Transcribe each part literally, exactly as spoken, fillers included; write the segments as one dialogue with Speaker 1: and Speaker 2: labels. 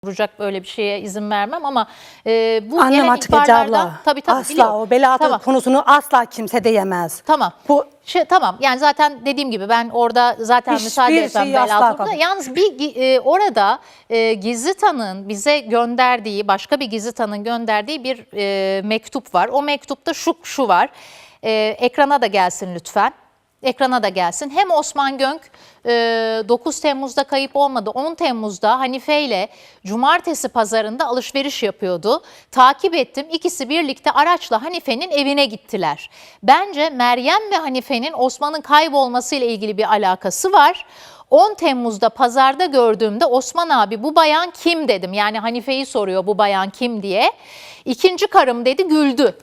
Speaker 1: vuracak böyle bir şeye izin vermem ama e, bu
Speaker 2: Annem
Speaker 1: gelen
Speaker 2: artık Ece
Speaker 1: ihbarlardan
Speaker 2: abla.
Speaker 1: tabii tabii
Speaker 2: Asla
Speaker 1: biliyorum.
Speaker 2: o bela
Speaker 1: Tamam.
Speaker 2: konusunu asla kimse diyemez.
Speaker 1: Tamam.
Speaker 2: Bu
Speaker 1: Şey, tamam yani zaten dediğim gibi ben orada zaten
Speaker 2: Hiçbir
Speaker 1: müsaade etmem
Speaker 2: şeyi asla
Speaker 1: bela
Speaker 2: kabul-
Speaker 1: Yalnız bir e, orada e, gizli tanığın bize gönderdiği başka bir gizli tanığın gönderdiği bir e, mektup var. O mektupta şu şu var. E, ekrana da gelsin lütfen. Ekrana da gelsin. Hem Osman Gönk e, dokuz Temmuz'da kayıp olmadı. on Temmuz'da Hanife ile cumartesi pazarında alışveriş yapıyordu. Takip ettim. İkisi birlikte araçla Hanife'nin evine gittiler. Bence Meryem ve Hanife'nin Osman'ın kaybolması ile ilgili bir alakası var. on Temmuz'da pazarda gördüğümde Osman abi bu bayan kim dedim. Yani Hanife'yi soruyor bu bayan kim diye. İkinci karım dedi, güldü.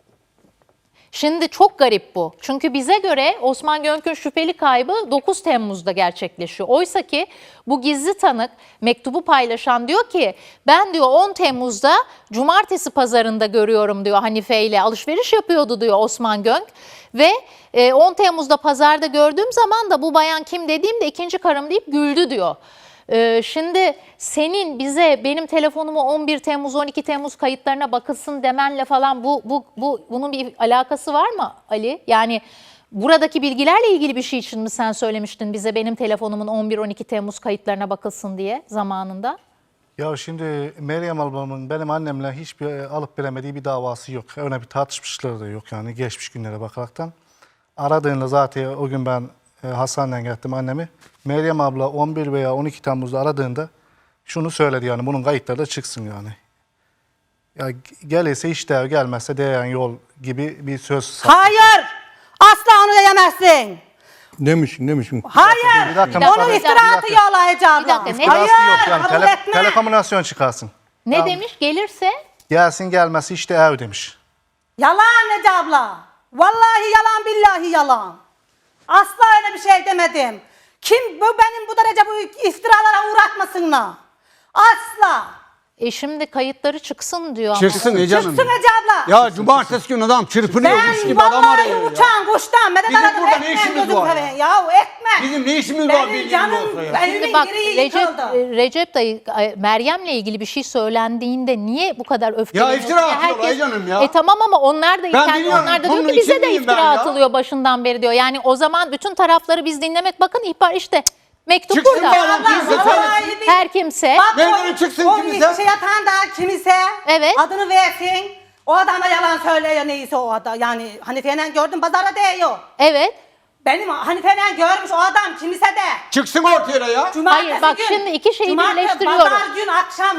Speaker 1: Şimdi çok garip bu. Çünkü bize göre Osman Gönk'ün şüpheli kaybı dokuz Temmuz'da gerçekleşiyor. Oysa ki bu gizli tanık mektubu paylaşan diyor ki ben diyor on Temmuz'da cumartesi pazarında görüyorum diyor Hanife ile alışveriş yapıyordu diyor Osman Gönk. Ve on Temmuz'da pazarda gördüğüm zaman da bu bayan kim dediğimde ikinci karım deyip güldü diyor. Şimdi senin bize benim telefonumu on bir Temmuz on iki Temmuz kayıtlarına bakılsın demenle falan bu, bu, bu bunun bir alakası var mı Ali? Yani buradaki bilgilerle ilgili bir şey için mi sen söylemiştin bize benim telefonumun on bir on iki Temmuz kayıtlarına bakılsın diye zamanında?
Speaker 3: Ya şimdi Meryem ablamın benim annemle hiçbir alıp veremediği bir davası yok. Öyle bir tartışmışları da yok yani geçmiş günlere bakaraktan. Aradığında zaten o gün ben Hastaneden gittim annemi. Meryem abla on bir veya on iki Temmuz'da aradığında şunu söyledi yani bunun kayıtları da çıksın yani. Ya gelirse işte gelmezse değen yol gibi bir söz.
Speaker 2: hayır asla onu diyemezsin.
Speaker 4: Demişsin demişsin.
Speaker 2: Hayır
Speaker 3: Bir dakika,
Speaker 2: onun
Speaker 3: bir
Speaker 2: iftira
Speaker 3: dakika.
Speaker 2: atıyor Allah Ece abla.
Speaker 1: Bir dakika, ne-
Speaker 2: Hayır
Speaker 3: yok yani
Speaker 2: kabul
Speaker 3: tele,
Speaker 2: etme.
Speaker 3: telekomünikasyon çıkarsın.
Speaker 1: Ne
Speaker 3: Ya,
Speaker 1: demiş gelirse?
Speaker 3: gelsin gelmezse işte ev demiş.
Speaker 2: Yalan Ece abla. Vallahi yalan billahi yalan. Asla öyle bir şey demedim. Kim bu benim bu derece bu iftiralara uğratmasınlar. Asla.
Speaker 1: E şimdi kayıtları çıksın diyor ama.
Speaker 4: Çıksın Ece Hanım.
Speaker 2: Çıksın Ece abla.
Speaker 4: Ya cumartesi günü adam çırpınıyormuş
Speaker 2: Ben
Speaker 4: gibi adam
Speaker 2: vallahi
Speaker 4: arıyor ya.
Speaker 2: uçan kuştan medet
Speaker 4: Bizim
Speaker 2: aradım
Speaker 4: burada ne
Speaker 2: etmem
Speaker 4: işimiz
Speaker 2: gözüm
Speaker 4: var ya?
Speaker 2: seveyim. Ya etme.
Speaker 4: Bizim ne işimiz var
Speaker 2: Benim
Speaker 4: bildiğin
Speaker 2: canım
Speaker 4: olsa ya.
Speaker 2: evimin
Speaker 1: Şimdi bak
Speaker 2: direği
Speaker 1: Recep,
Speaker 2: yıkıldı.
Speaker 1: Recep dayı e, Meryem'le ilgili bir şey söylendiğinde niye bu kadar öfkeleniyorsun?
Speaker 4: iftira
Speaker 1: Ya
Speaker 4: atıyorlar Ece Hanım ya.
Speaker 1: E tamam ama onlar da
Speaker 4: Ben
Speaker 1: kendi
Speaker 4: biliyorum,
Speaker 1: onlar da diyor
Speaker 4: bunun
Speaker 1: ki bize de
Speaker 4: içindeyim
Speaker 1: iftira
Speaker 4: ben ya.
Speaker 1: atılıyor başından beri diyor. Yani o zaman bütün tarafları biz dinlemek bakın ihbar işte mektup
Speaker 4: Çıksın
Speaker 1: burada.
Speaker 4: bari,
Speaker 2: Abla,
Speaker 4: kimse
Speaker 2: vallahi bir-
Speaker 1: Her kimse
Speaker 2: Bak,
Speaker 4: Nereden
Speaker 2: o-
Speaker 4: çıksın
Speaker 2: o
Speaker 4: kimse?
Speaker 2: şey yatan da kimse
Speaker 1: Evet.
Speaker 2: adını versin. O adam da yalan söylüyor neyse o adam. Yani Hanife'yle gördüm pazara değiyor.
Speaker 1: evet.
Speaker 2: Benim Hanife'yle görmüş o adam kimse de.
Speaker 4: Çıksın ortaya ya.
Speaker 2: Cumartesi
Speaker 1: Hayır, bak
Speaker 2: gün,
Speaker 1: şimdi iki şeyi
Speaker 2: cumartesi,
Speaker 1: birleştiriyorum.
Speaker 2: Pazar gün akşam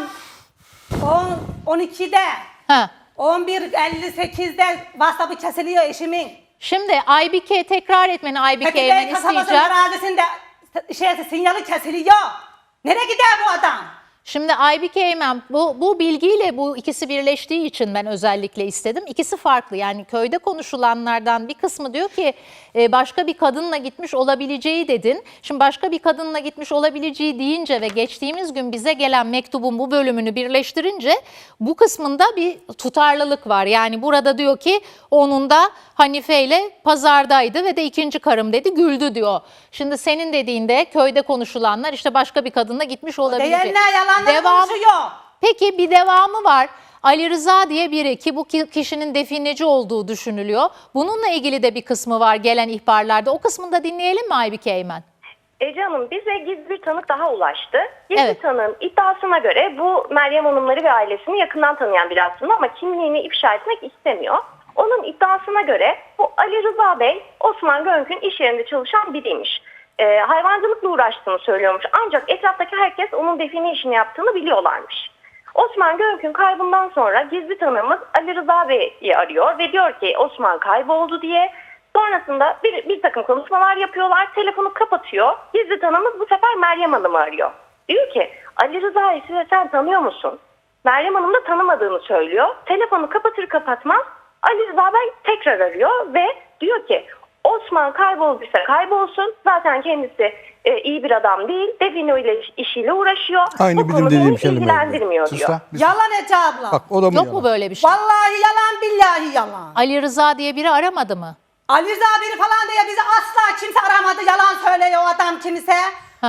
Speaker 2: on, on ikide
Speaker 1: Ha.
Speaker 2: on bir elli sekizde WhatsApp'ı kesiliyor eşimin.
Speaker 1: Şimdi Aybike tekrar etmeni Aybike'ye
Speaker 2: Petibey
Speaker 1: ben
Speaker 2: kasabasının
Speaker 1: isteyeceğim.
Speaker 2: arazisinde şey, sinyali kesiliyor. Nereye gider bu adam?
Speaker 1: Şimdi Aybike Eymen bu, bu bilgiyle bu ikisi birleştiği için ben özellikle istedim. İkisi farklı yani köyde konuşulanlardan bir kısmı diyor ki e, başka bir kadınla gitmiş olabileceği dedin. Şimdi başka bir kadınla gitmiş olabileceği deyince ve geçtiğimiz gün bize gelen mektubun bu bölümünü birleştirince bu kısmında bir tutarlılık var. Yani burada diyor ki onun da Hanife ile pazardaydı ve de ikinci karım dedi güldü diyor. Şimdi senin dediğinde köyde konuşulanlar işte başka bir kadınla gitmiş olabilecek.
Speaker 2: Diyenler yalanlar konuşuyor.
Speaker 1: Peki bir devamı var. Ali Rıza diye biri ki bu kişinin defineci olduğu düşünülüyor. Bununla ilgili de bir kısmı var gelen ihbarlarda. O kısmını da dinleyelim mi Aybike Eymen?
Speaker 5: Ece Hanım bize gizli bir tanık daha ulaştı. Gizli
Speaker 1: Evet.
Speaker 5: tanığın iddiasına göre bu Meryem Hanımları ve ailesini yakından tanıyan biri aslında ama kimliğini ifşa etmek istemiyor. Onun iddiasına göre bu Ali Rıza Bey Osman Gönk'ün iş yerinde çalışan biriymiş. Ee, hayvancılıkla uğraştığını söylüyormuş ancak etraftaki herkes onun define işini yaptığını biliyorlarmış. Osman Gönk'ün kaybından sonra gizli tanığımız Ali Rıza Bey'i arıyor ve diyor ki Osman kayboldu diye. Sonrasında bir, bir takım konuşmalar yapıyorlar. Telefonu kapatıyor. Gizli tanığımız bu sefer Meryem Hanım'ı arıyor. Diyor ki Ali Rıza'yı sen tanıyor musun? Meryem Hanım da tanımadığını söylüyor. Telefonu kapatır kapatmaz Ali Rıza Bey tekrar arıyor ve diyor ki Osman kaybolduysa kaybolsun. Zaten kendisi e, iyi bir adam değil. Define ile işiyle uğraşıyor.
Speaker 4: Aynı
Speaker 5: bu
Speaker 4: bizim
Speaker 5: konu
Speaker 4: dediğim
Speaker 5: beni
Speaker 4: kelime.
Speaker 5: ilgilendirmiyor
Speaker 3: Sus
Speaker 5: diyor.
Speaker 3: lan. bir-
Speaker 2: Yalan Ece abla.
Speaker 4: Bak o da mı
Speaker 1: Yok
Speaker 4: yalan?
Speaker 1: mu böyle bir şey?
Speaker 2: Vallahi yalan billahi yalan.
Speaker 1: Ali Rıza diye biri aramadı mı?
Speaker 2: Ali Rıza biri falan diye bizi asla kimse aramadı. Yalan söylüyor o adam kimse.
Speaker 1: Ha.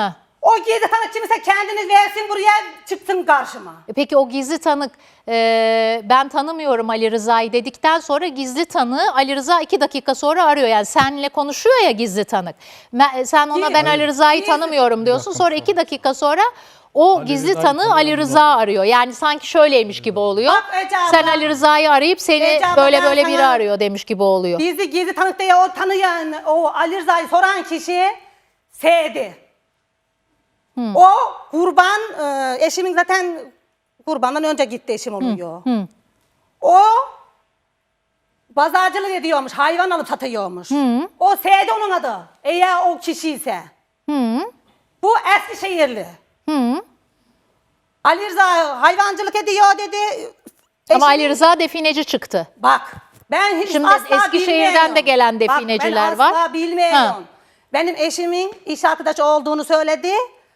Speaker 2: O gizli tanık kimse kendini versin buraya çıksın karşıma.
Speaker 1: E Peki o gizli tanık e, ben tanımıyorum Ali Rıza'yı dedikten sonra gizli tanığı Ali Rıza iki dakika sonra arıyor. Yani seninle konuşuyor ya gizli tanık. Me- Sen ona ben Ali Rıza'yı
Speaker 2: Gizli-
Speaker 1: tanımıyorum diyorsun. Sonra iki dakika sonra o gizli
Speaker 6: Rıza'yı
Speaker 1: tanığı Ali
Speaker 6: tanıyorum
Speaker 1: Rıza arıyor. Yani sanki şöyleymiş gibi oluyor.
Speaker 2: Bak Ece abla.
Speaker 1: Sen Ali Rıza'yı arayıp seni
Speaker 2: Ece abla,
Speaker 1: böyle
Speaker 2: ben
Speaker 1: böyle biri
Speaker 2: sana-
Speaker 1: arıyor demiş gibi oluyor.
Speaker 2: Gizli gizli tanık diye o tanıyan, o Ali Rıza'yı soran kişi S'di. O kurban, e, eşimin zaten kurbandan önce gitti eşim oluyor. O pazarcılık ediyormuş, hayvan alıp satıyormuş. O S'di onun adı. Eğer o kişi ise. Bu Eskişehirli. Ali Rıza hayvancılık ediyor dedi.
Speaker 1: Ama Ali
Speaker 2: Eşimin-
Speaker 1: Rıza defineci çıktı.
Speaker 2: Bak ben hiç
Speaker 1: Şimdi
Speaker 2: asla
Speaker 1: Eskişehir'den
Speaker 2: bilmiyorum.
Speaker 1: de gelen defineciler
Speaker 2: Bak,
Speaker 1: var.
Speaker 2: ben asla bilmiyorum.
Speaker 1: Ha.
Speaker 2: Benim eşimin iş arkadaşı olduğunu söyledi.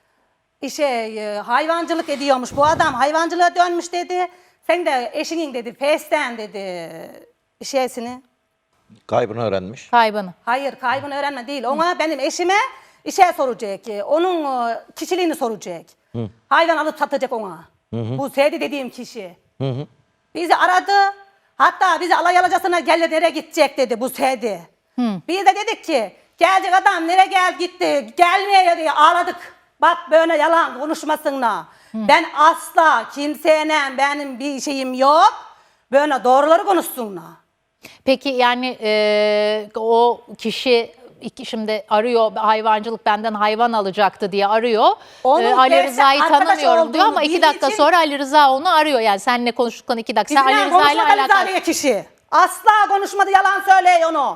Speaker 2: İşe e, hayvancılık ediyormuş bu adam. Hayvancılığa dönmüş dedi. Sen de eşinin dedi pesten dedi şeysini.
Speaker 6: Kaybını öğrenmiş.
Speaker 1: Kaybını.
Speaker 2: Hayır kaybını öğrenme değil. Ona benim eşime işe soracak. e, Onun e, kişiliğini soracak. Hayvan alıp satacak ona. Bu Seydi dediğim kişi. Bizi aradı. Hatta bizi alay alacasına gel nereye gidecek dedi bu Seydi. Biz de dedik ki gelecek adam nereye gel gitti gelmeye diye ağladık. Bak böyle yalan konuşmasınla. Ben asla kimseyle benim bir şeyim yok. Böyle doğruları konuşsunlar.
Speaker 1: Peki yani e, o kişi iki, şimdi arıyor hayvancılık benden hayvan alacaktı diye arıyor.
Speaker 2: Onun
Speaker 1: E, Ali
Speaker 2: gerçek
Speaker 1: Rıza'yı
Speaker 2: arkadaş
Speaker 1: tanımıyorum diyor ama
Speaker 2: olduğunu
Speaker 1: iki
Speaker 2: bildiği
Speaker 1: dakika
Speaker 2: için-
Speaker 1: sonra Ali Rıza onu arıyor. Yani seninle konuştuktan iki dakika. Sen Ali
Speaker 2: Bizimle
Speaker 1: Rıza ile
Speaker 2: konuşmadı
Speaker 1: alakalı.
Speaker 2: Rıza'ya kişi. Asla konuşmadı yalan söylüyor onu.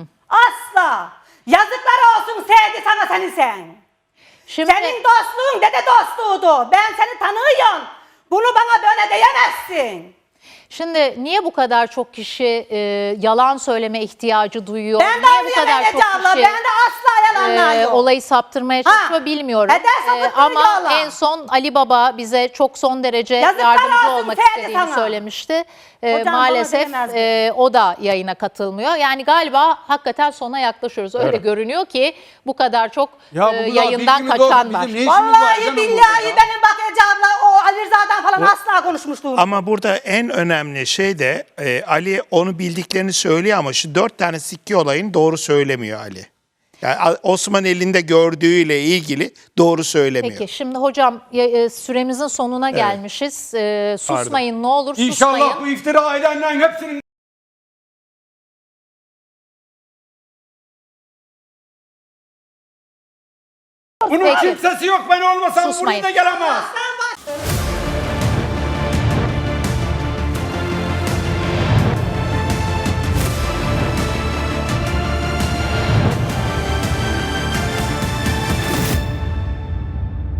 Speaker 2: Asla. Yazıklar olsun Seydi sana seni sen.
Speaker 1: Şimdi
Speaker 2: Senin dostluğun dede dostluğuydu. Ben seni tanıyorum. Bunu bana böyle diyemezsin.
Speaker 1: Şimdi niye bu kadar çok kişi e, yalan söyleme ihtiyacı duyuyor?
Speaker 2: Ben de
Speaker 1: niye bu kadar
Speaker 2: arıyorum
Speaker 1: çok
Speaker 2: Ece abla.
Speaker 1: kişi
Speaker 2: Ben de asla yalanlar
Speaker 1: e,
Speaker 2: yok.
Speaker 1: olayı saptırmaya çalışıyor
Speaker 2: Ha,
Speaker 1: bilmiyorum.
Speaker 2: eder sapıttırıyor
Speaker 1: ama
Speaker 2: Allah.
Speaker 1: en son Ali Baba bize çok son derece
Speaker 2: Yazıklar
Speaker 1: yardımcı
Speaker 2: olsun
Speaker 1: olmak
Speaker 2: Ferdi
Speaker 1: istediğini
Speaker 2: sana.
Speaker 1: söylemişti. E,
Speaker 2: Hocam bana
Speaker 1: maalesef
Speaker 2: diyemezdi.
Speaker 1: e, o da yayına katılmıyor. Yani galiba hakikaten sona yaklaşıyoruz. Öyle
Speaker 6: Evet.
Speaker 1: görünüyor ki bu kadar çok
Speaker 4: Ya
Speaker 1: e,
Speaker 4: bu kadar
Speaker 1: yayından
Speaker 4: bilgimiz
Speaker 1: kaçan
Speaker 4: olsa
Speaker 1: var.
Speaker 4: bizim ne işimiz var
Speaker 2: Vallahi
Speaker 4: canım
Speaker 2: billahi
Speaker 4: burada ya?
Speaker 2: benim bak Ece abla o Ali Rıza'dan falan asla konuşmuşluğum.
Speaker 7: Ama burada en önemli şey de e, Ali onu bildiklerini söylüyor ama şu dört tane sikke olayını doğru söylemiyor Ali. Yani A- Osman elinde gördüğüyle ilgili doğru söylemiyor.
Speaker 1: Peki şimdi hocam ya- e, süremizin sonuna gelmişiz. E, susmayın ne olur susmayın.
Speaker 4: İnşallah bu iftira edenlerin hepsinin bunun
Speaker 1: Peki.
Speaker 4: kimsesi yok, ben olmasam
Speaker 1: Susmayın.
Speaker 4: buraya da gelemez.